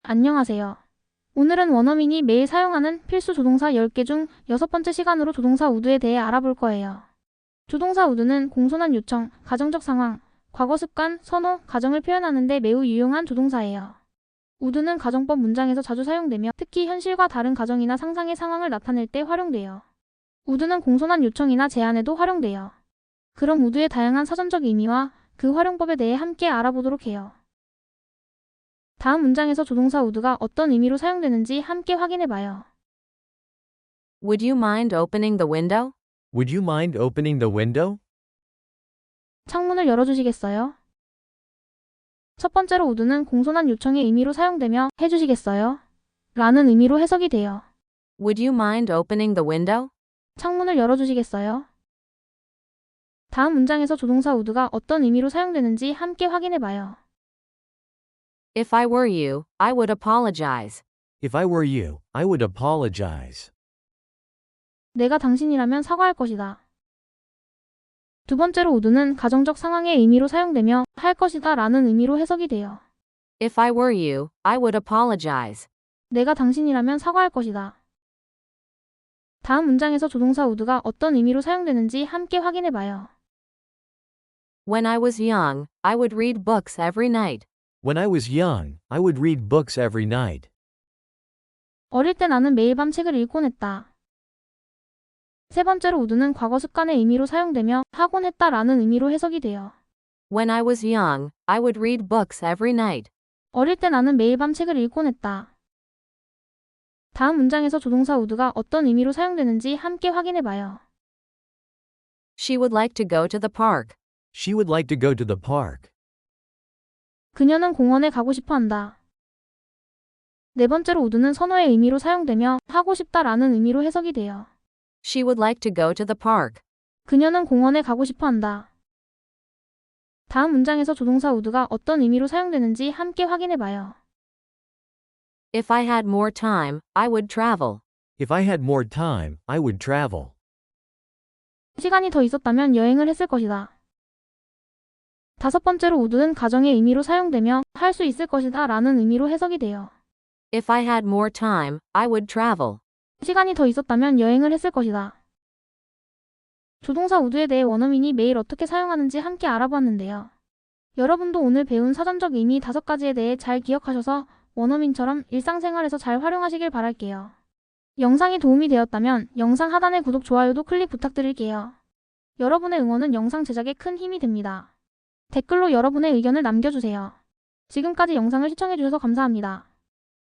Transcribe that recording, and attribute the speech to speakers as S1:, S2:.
S1: 안녕하세요. 오늘은 원어민이 매일 사용하는 필수 조동사 10개 중 6번째 시간으로 조동사 would에 대해 알아볼 거예요. 조동사 would는 공손한 요청, 가정적 상황, 과거 습관, 선호, 가정을 표현하는 데 매우 유용한 조동사예요. would는 가정법 문장에서 자주 사용되며 특히 현실과 다른 가정이나 상상의 상황을 나타낼 때 활용돼요. would는 공손한 요청이나 제안에도 활용돼요. 그럼 would의 다양한 사전적 의미와 그 활용법에 대해 함께 알아보도록 해요. 다음 문장에서 조동사 would가 어떤 의미로 사용되는지 함께 확인해봐요.
S2: Would you mind opening the window?
S3: Would you mind opening the window?
S1: 창문을 열어주시겠어요? 첫 번째로 would는 공손한 요청의 의미로 사용되며 해주시겠어요? 라는 의미로 해석이 돼요.
S2: Would you mind opening the window?
S1: 창문을 열어주시겠어요? 다음 문장에서 조동사 would가 어떤 의미로 사용되는지 함께 확인해봐요.
S2: If I were you, I would apologize.
S3: If I were you, I would apologize.
S1: 내가 당신이라면 사과할 것이다. 두 번째로 would는 가정적 상황의 의미로 사용되며 할 것이다 라는 의미로 해석이 돼요.
S2: If I were you, I would apologize.
S1: 내가 당신이라면 사과할 것이다. 다음 문장에서 조동사 would가 어떤 의미로 사용되는지 함께 확인해봐요.
S2: When I was young, I would read books every night.
S3: When I was young, I would read books every night.
S1: 어릴 때 나는 매일 밤 책을 읽곤 했다. 세 번째로 would는 과거 습관의 의미로 사용되며 하곤 했다 라는 의미로 해석이 돼요.
S2: When I was young, I would read books every night.
S1: 어릴 때 나는 매일 밤 책을 읽곤 했다. 다음 문장에서 조동사 would가 어떤 의미로 사용되는지 함께 확인해봐요.
S2: She would like to go to the park.
S3: She would like to go to the park.
S1: 그녀는 공원에 가고 싶어 한다. 네 번째로 would는 선호의 의미로 사용되며 하고 싶다 라는 의미로 해석이 돼요.
S2: She would like to go to the park.
S1: 그녀는 공원에 가고 싶어 한다. 다음 문장에서 조동사 would가 어떤 의미로 사용되는지 함께 확인해봐요.
S2: If I had more time, I would travel.
S3: If I had more time, I would travel.
S1: 시간이 더 있었다면 여행을 했을 것이다. 다섯 번째로 would는 가정의 의미로 사용되며 할 수 있을 것이다 라는 의미로 해석이 돼요.
S2: If I had more time, I would travel.
S1: 시간이 더 있었다면 여행을 했을 것이다. 조동사 would에 대해 원어민이 매일 어떻게 사용하는지 함께 알아보았는데요. 여러분도 오늘 배운 사전적 의미 5가지에 대해 잘 기억하셔서 원어민처럼 일상생활에서 잘 활용하시길 바랄게요. 영상이 도움이 되었다면 영상 하단의 구독, 좋아요도 클릭 부탁드릴게요. 여러분의 응원은 영상 제작에 큰 힘이 됩니다. 댓글로 여러분의 의견을 남겨주세요. 지금까지 영상을 시청해주셔서 감사합니다.